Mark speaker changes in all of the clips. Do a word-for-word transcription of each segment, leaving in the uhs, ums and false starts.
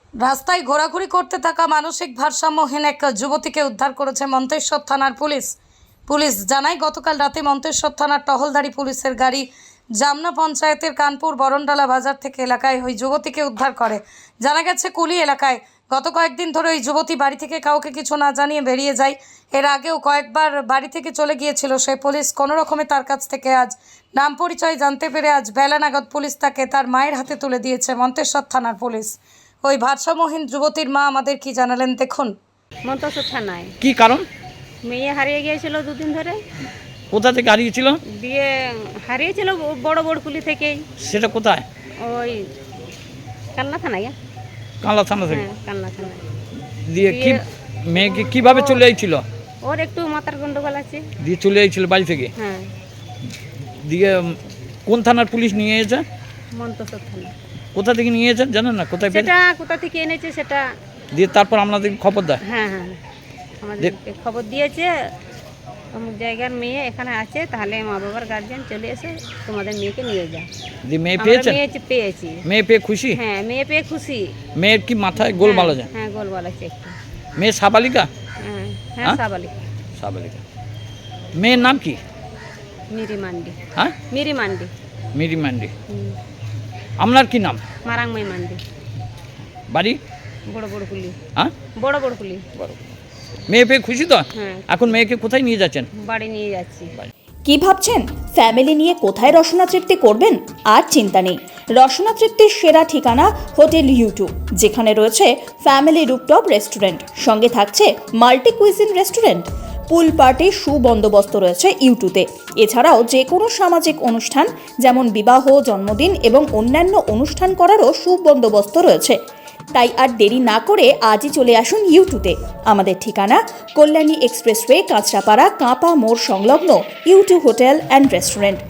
Speaker 1: রাস্তায় ঘোরাঘুরি করতে থাকা মানসিক ভারসাম্যহীন এক যুবতীকে উদ্ধার করেছে মন্তেশ্বর থানার পুলিশ। পুলিশ জানায় গতকাল রাতে মন্তেশ্বর থানার টহলদারি পুলিশের গাড়ি জামনা পঞ্চায়েতের কানপুর বরণডালা বাজার থেকে এলাকায় ওই যুবতীকে উদ্ধার করে। জানা গেছে কুলি এলাকায় গত কয়েকদিন ধরে ওই যুবতী বাড়ি থেকে কাউকে কিছু না জানিয়ে বেরিয়ে যায়। এর আগেও কয়েকবার বাড়ি থেকে চলে গিয়েছিল সে। পুলিশ কোনো রকমে তার কাছ থেকে আজ নাম পরিচয় জানতে পেরে আজ বেলা নাগাদ পুলিশ তাকে তার মায়ের হাতে তুলে দিয়েছে মন্তেশ্বর থানার পুলিশ। ওই ভারসাম্যহীন যুবতীর মা আমাদের কি জানালেন দেখুন।
Speaker 2: মন্তেশ্বর থানায়
Speaker 3: কি কারণ?
Speaker 2: মেয়ে হারিয়ে গিয়েছিল দুদিন ধরে।
Speaker 3: কোথা থেকে হারিয়েছিল?
Speaker 2: দিয়ে হারিয়েছিল বড় বড়কুলি থেকেই।
Speaker 3: সেটা কোথায়?
Speaker 2: ওই কান্না থানায়।
Speaker 3: কানলা থানা থেকে?
Speaker 2: হ্যাঁ, কান্না থানায়।
Speaker 3: দিয়ে কি মেয়েকে কিভাবে চলে আইছিল?
Speaker 2: ওর একটু মাথার গন্ডগোল আছে।
Speaker 3: দিয়ে চলে আইছিল বাড়ি থেকে?
Speaker 2: হ্যাঁ।
Speaker 3: দিয়ে কোন থানার পুলিশ নিয়ে এসেছে?
Speaker 2: মন্তেশ্বর থানা।
Speaker 3: কোথা থেকে নিয়ে এসেছে জানেন না? কোথায় পেয়েছে?
Speaker 2: সেটা কোথা থেকে এনেছে সেটা।
Speaker 3: দিয়ে তারপর আপনাদের খবর দেয়?
Speaker 2: হ্যাঁ হ্যাঁ আমাদেরকে খবর দিয়েছে অমুক জায়গার মেয়ে এখানে আছে, তাহলে মা বাবার গার্জিয়ান চলে এসে তোমাদের মেয়েকে নিয়ে যা।
Speaker 3: দিয়ে মেয়ে
Speaker 2: আমরা
Speaker 3: পেয়েছে?
Speaker 2: মেয়ে পেয়েছি।
Speaker 3: মেয়ে পেয়ে খুশি?
Speaker 2: হ্যাঁ, মেয়ে পেয়ে খুশি।
Speaker 3: মেয়ের কি মাথায় গোলমাল আছে?
Speaker 2: হ্যাঁ, গোলমাল আছে একটু।
Speaker 3: মেয়ে সাবালিকা?
Speaker 2: হ্যাঁ হ্যাঁ
Speaker 3: হ্যাঁ?
Speaker 2: সাবালিকা।
Speaker 3: সাবালিকা। মেয়ের নাম কি?
Speaker 2: মিরি মান্ডি।
Speaker 3: হ্যাঁ,
Speaker 2: মিরি মান্ডি।
Speaker 3: মিরি মান্ডি।
Speaker 2: হুম।
Speaker 3: আপনার কি নাম?
Speaker 2: মারাংমাই মান্ডি।
Speaker 3: বাড়ি?
Speaker 2: বড় বড় কুলি।
Speaker 3: হ্যাঁ,
Speaker 2: বড় বড় কুলি।
Speaker 3: মেয়ে পেয়ে খুশি তো?
Speaker 2: হ্যাঁ।
Speaker 3: এখন মেয়েকে কোথায় নিয়ে যাচ্ছেন?
Speaker 2: বাড়ি নিয়ে যাচ্ছি।
Speaker 4: কি ভাবছেন ফ্যামিলি নিয়ে কোথায় রসনা তৃপ্তি করবেন? আর চিন্তা নেই, রসনা তৃপ্তির সেরা ঠিকানা হোটেল ইউটিউব, যেখানে রয়েছে ফ্যামিলি রুপটপ রেস্টুরেন্ট, সঙ্গে থাকছে মাল্টি কুইজিন রেস্টুরেন্ট। পুল পার্টির সুবন্দোবস্ত রয়েছে ইউটিউবে। এছাড়াও যে কোনো সামাজিক অনুষ্ঠান যেমন বিবাহ, জন্মদিন এবং অন্যান্য অনুষ্ঠান করারও সুবন্দোবস্ত রয়েছে। তাই আর দেরি না করে আজই চলে আসুন ইউটিউবে। আমাদের ঠিকানা কল্যাণী এক্সপ্রেসওয়ে, কাঁচরাপাড়া, কাঁপা মোড় সংলগ্ন YouTube hotel and restaurant.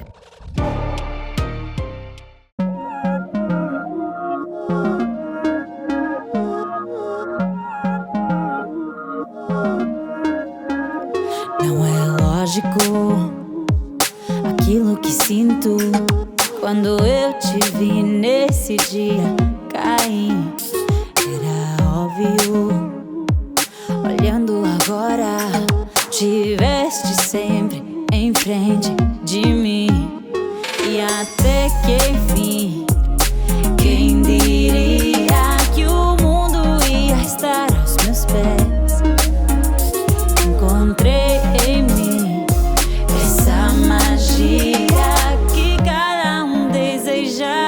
Speaker 5: Não é lógico aquilo que sinto quando eu te vi nesse dia cair. Era óbvio, olhando agora, tiveste sempre em frente de mim. E até que enfim, quem diria que o mundo ia estar aos meus pés? Encontrei em mim essa magia que cada um deseja.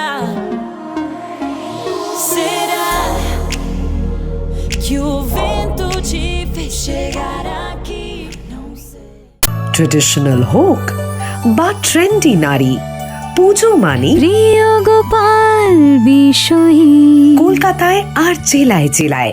Speaker 5: Será que o vento te fez chegar aqui? Não sei.
Speaker 6: Traditional হোক বা trendy নারী, পুজো মানে
Speaker 5: প্রিয় গোপাল বিষয়ী
Speaker 6: কলকাতায় আর জেলায় জেলায়